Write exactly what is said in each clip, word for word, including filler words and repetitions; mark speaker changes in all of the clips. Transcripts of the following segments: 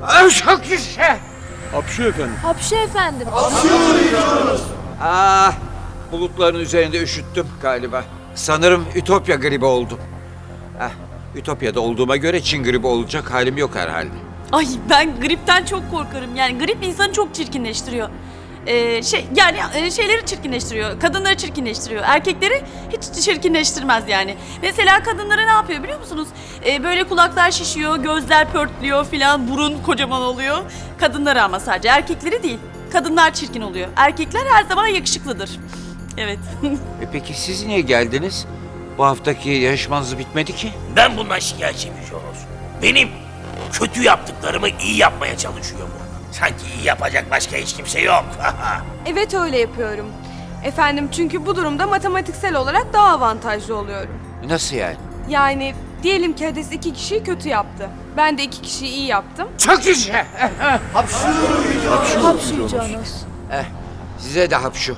Speaker 1: Çok güzel.
Speaker 2: Hapşu efendim.
Speaker 3: Hapşu efendim.
Speaker 1: Ah, bulutların üzerinde üşüttüm galiba. Sanırım Ütopya gribi oldum. Ah, Ütopya'da olduğuma göre Çin gribi olacak halim yok herhalde.
Speaker 4: Ay ben gripten çok korkarım. Yani grip insanı çok çirkinleştiriyor. Ee, şey yani e, şeyleri çirkinleştiriyor. Kadınları çirkinleştiriyor. Erkekleri hiç çirkinleştirmez yani. Mesela kadınlara ne yapıyor biliyor musunuz? Ee, böyle kulaklar şişiyor, gözler pörtlüyor filan, burun kocaman oluyor. Kadınları ama sadece erkekleri değil. Kadınlar çirkin oluyor. Erkekler her zaman yakışıklıdır. Evet.
Speaker 1: E peki siz niye geldiniz? Bu haftaki yarışmanız bitmedi ki.
Speaker 5: Ben bundan şikayetçiyim Joros. Benim kötü yaptıklarımı iyi yapmaya çalışıyor bu. Sanki iyi yapacak başka hiç kimse yok.
Speaker 6: Evet öyle yapıyorum. Efendim çünkü bu durumda matematiksel olarak daha avantajlı oluyorum.
Speaker 1: Nasıl yani?
Speaker 6: Yani diyelim ki Hades iki kişiyi kötü yaptı. Ben de iki kişiyi iyi yaptım.
Speaker 1: Çok güzel.
Speaker 3: Hapşu Yüce Onos.
Speaker 1: Eh, size de hapşu.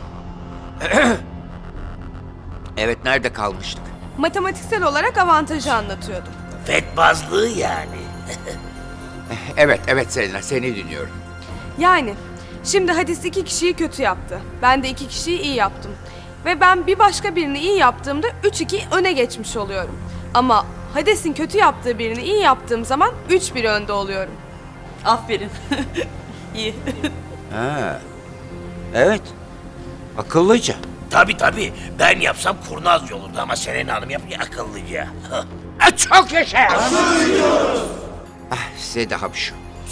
Speaker 1: Evet, nerede kalmıştık?
Speaker 6: Matematiksel olarak avantajı anlatıyordum.
Speaker 5: Fetbazlığı yani.
Speaker 1: Evet, evet Selena, seni dinliyorum.
Speaker 6: Yani şimdi Hades iki kişiyi kötü yaptı. Ben de iki kişiyi iyi yaptım. Ve ben bir başka birini iyi yaptığımda üç iki öne geçmiş oluyorum. Ama Hades'in kötü yaptığı birini iyi yaptığım zaman üç bir önde oluyorum.
Speaker 4: Aferin. İyi.
Speaker 1: Ha. Evet. Akıllıca.
Speaker 5: Tabii tabii. Ben yapsam kurnazca olurdu ama Selena Hanım yapınca akıllıca.
Speaker 1: Ah, çok yaşa. Ah, size de hapşu.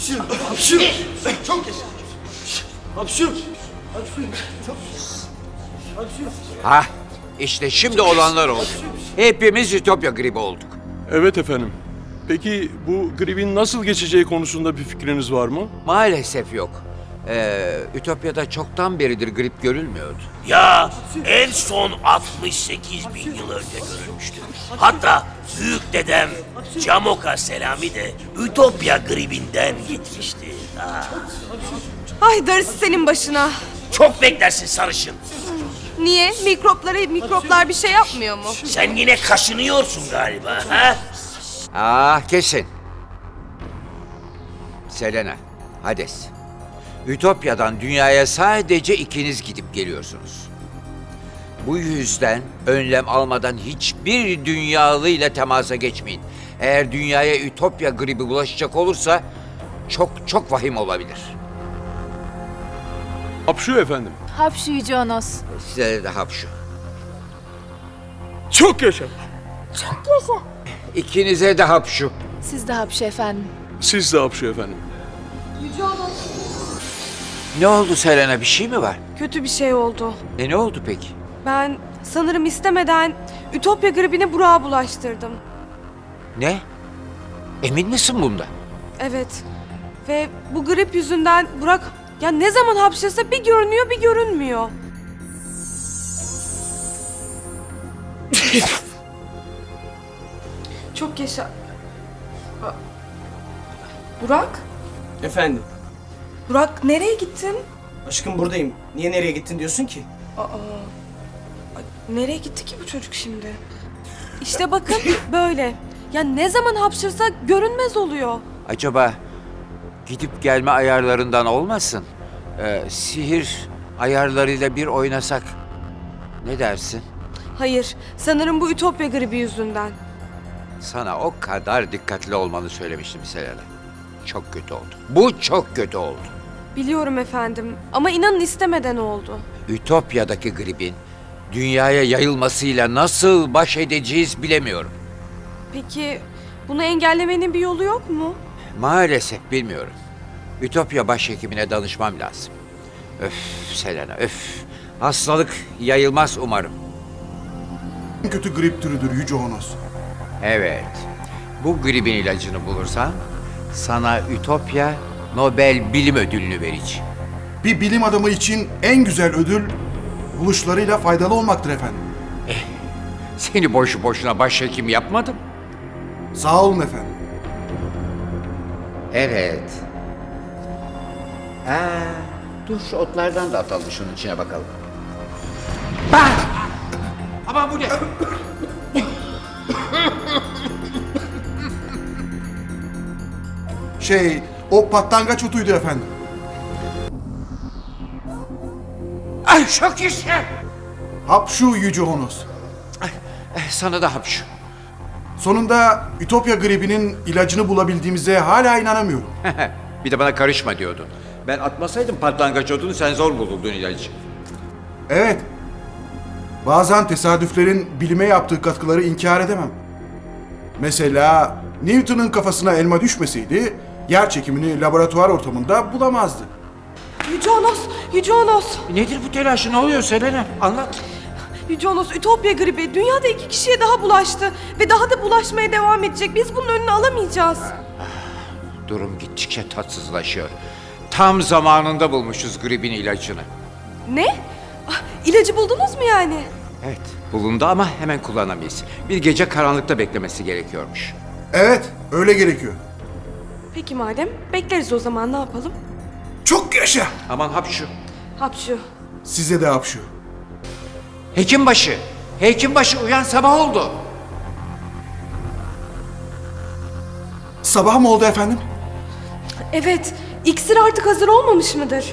Speaker 1: Ha, işte şimdi olanlar oldu. Hepimiz Ütopya gribi olduk.
Speaker 2: Evet efendim. Peki bu gripin nasıl geçeceği konusunda bir fikriniz var mı?
Speaker 1: Maalesef yok. Ee, Ütopya'da çoktan beridir grip görülmüyordu.
Speaker 5: Ya en son altmış sekiz bin yıl önce görülmüştü. Hatta büyük dedem Camoka Selami de Ütopya gribinden gitmişti. Ha.
Speaker 6: Ay darısı senin başına.
Speaker 5: Çok beklersin sarışın.
Speaker 6: Niye? Mikroplara mikroplar bir şey yapmıyor mu?
Speaker 5: Sen yine kaşınıyorsun galiba. Ha?
Speaker 1: Ah, kesin. Selena, Hades. Ütopya'dan dünyaya sadece ikiniz gidip geliyorsunuz. Bu yüzden önlem almadan hiçbir dünyalıyla temasa geçmeyin. Eğer dünyaya Ütopya gribi bulaşacak olursa çok çok vahim olabilir.
Speaker 2: Hapşu efendim.
Speaker 3: Hapşu Yüce Onos.
Speaker 1: Size de hapşu.
Speaker 2: Çok yaşa.
Speaker 1: İkinize de hapşu.
Speaker 3: Siz de hapşu efendim.
Speaker 2: Siz de hapşu efendim.
Speaker 1: Ne oldu Selena, bir şey mi var?
Speaker 6: Kötü bir şey oldu.
Speaker 1: E ne oldu peki?
Speaker 6: Ben sanırım istemeden Ütopya gribini Burak'a bulaştırdım.
Speaker 1: Ne? Emin misin bundan?
Speaker 6: Evet. Ve bu grip yüzünden Burak ya ne zaman hapşırsa bir görünüyor bir görünmüyor. Çok yaşa. Aa, Burak?
Speaker 7: Efendim,
Speaker 6: Burak nereye gittin?
Speaker 7: aşkım buradayım. Niye nereye gittin diyorsun ki?
Speaker 6: Aa, ay, nereye gitti ki bu çocuk şimdi? İşte bakın böyle. Ya ne zaman hapşırsa görünmez oluyor.
Speaker 1: Acaba gidip gelme ayarlarından olmasın? Ee, sihir ayarlarıyla bir oynasak ne dersin?
Speaker 6: Hayır, sanırım bu Ütopya gribi yüzünden.
Speaker 1: Sana o kadar dikkatli olmanı söylemiştim Selena. Çok kötü oldu. Bu çok kötü oldu.
Speaker 6: Biliyorum efendim ama inanın istemeden oldu.
Speaker 1: Ütopya'daki gripin dünyaya yayılmasıyla nasıl baş edeceğiz bilemiyorum.
Speaker 6: Peki bunu engellemenin bir yolu yok mu?
Speaker 1: Maalesef bilmiyorum. Ütopya başhekimine danışmam lazım. Öf Selena, öf. Hastalık yayılmaz umarım.
Speaker 8: En kötü grip türüdür Yüce Onos.
Speaker 1: Evet. Bu gribin ilacını bulursan sana Ütopya Nobel Bilim Ödülünü vereceğim.
Speaker 8: Bir bilim adamı için en güzel ödül buluşlarıyla faydalı olmaktır efendim.
Speaker 1: Seni boşu boşuna başhekim yapmadım.
Speaker 8: Sağ olun efendim.
Speaker 1: Evet. Ha, dur şu otlardan da atalım şunun içine bakalım. Bak! Aman bu ne?
Speaker 8: Şey, O patlangaç otuydu efendim.
Speaker 1: Ay çok işe.
Speaker 8: Hapşu Yüce Honos.
Speaker 1: Eh, Sana da hapşu.
Speaker 8: Sonunda Ütopya gribinin ilacını bulabildiğimize hala inanamıyorum.
Speaker 1: Bir de bana karışma diyordun. Ben atmasaydım patlangaç odunu sen zor bulurdun ilacı.
Speaker 8: Evet. Bazen tesadüflerin bilime yaptığı katkıları inkar edemem. Mesela Newton'un kafasına elma düşmeseydi yer çekimini laboratuvar ortamında bulamazdı.
Speaker 6: Yüce Onos, Yüce Onos.
Speaker 1: Nedir bu telaşı? Ne oluyor Selena? Anlat.
Speaker 6: Yüce Onos, Ütopya gribi dünyada iki kişiye daha bulaştı ve daha da bulaşmaya devam edecek. Biz bunun önünü alamayacağız.
Speaker 1: Durum gittikçe tatsızlaşıyor. Tam zamanında bulmuşuz gribin ilacını.
Speaker 6: Ne? Ah, İlacı buldunuz mu yani?
Speaker 1: Evet, bulundu ama hemen kullanamayız. Bir gece karanlıkta beklemesi gerekiyormuş.
Speaker 8: Evet, öyle gerekiyor.
Speaker 6: Peki madem, bekleriz o zaman, ne yapalım?
Speaker 8: Çok yaşa!
Speaker 1: Aman hapşu.
Speaker 6: Hapşu.
Speaker 8: Size de hapşu.
Speaker 1: Hekimbaşı. Hekimbaşı uyan, sabah oldu.
Speaker 8: Sabah mı oldu efendim?
Speaker 6: Evet, iksir artık hazır olmamış mıdır?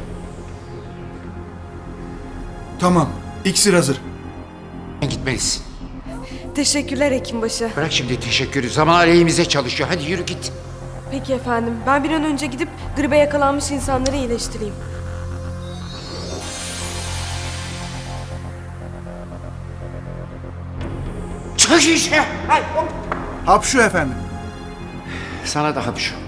Speaker 8: Tamam, iksir hazır.
Speaker 1: Gitmelisin.
Speaker 6: Teşekkürler hekimbaşı.
Speaker 1: Bırak şimdi teşekkürü. Zaman aleyhimize çalışıyor. Hadi yürü git.
Speaker 6: Peki efendim, ben bir an önce gidip gribe yakalanmış insanları iyileştireyim.
Speaker 1: Çık işe.
Speaker 8: Hapşu efendim.
Speaker 1: Sana da hapşu.